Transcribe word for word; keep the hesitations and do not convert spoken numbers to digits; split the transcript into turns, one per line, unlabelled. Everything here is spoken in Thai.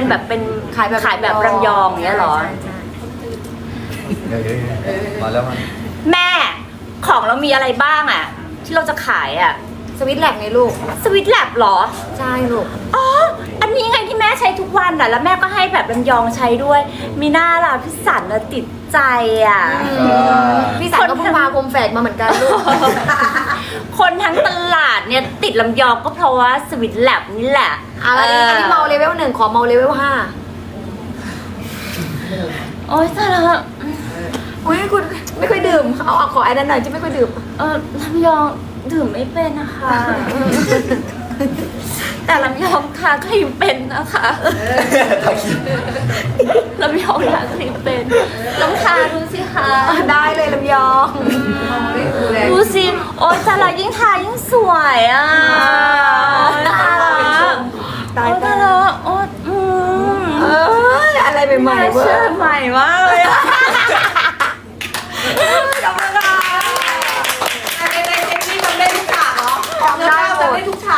แบบเป็น
ขายแบบ
ขายแบบรำยองอย่างเงี้ยเหรอ
ใช่ใช่
เดี๋ยวมาแล้วมัน
แม่ของเรามีอะไรบ้างอะที่เราจะขายอะ
สวิตแลกไงลูก
สวิตแลบหรอ
ใช่ลูก
อ๋อ อันนี้ไงที่แม่ใช้ทุกวันอะแล้วแม่ก็ให้แบบลำยองใช้ด้วย มีหน้าล่ะพี่สันน่ะติดใจอะ
พี่สันก็เพิ่งพาคมแฝกมาเหมือนกันลูก
คนทั้งตลาดเนี่ยติดลำยองก็เพราะว่าสวิตแลบนี่แหละ
อะอันนี้อันนี้เมาเลเวลหนึ่งขอเมาเลเวลห้า
โอ๊ยตายแล้ว
อุ้ยคุณไม่ค่อยดื่ม เอาเอาขอไอ้นั่นหน่อยที่ไม่ค่อยดื่ม
เออลำยองดื่มไม่เป็นนะคะ แต่ลำยองทาครีมเป็นนะคะลำยองทาครีมเป็นลองทาดูสิคะ
ได้เลยลำยอง
ดูสิโอ๊ยแต่ละยิ่งทายิ่งสวยอ่ะโอ๊ยตายละ
ตาย
โอ๊ย
ตา
ตาย ยละโอ๊ยอืม
เอ้ยอะไรใหม่ๆเว้
เชื่
ย
อใหม่มากเลยอะ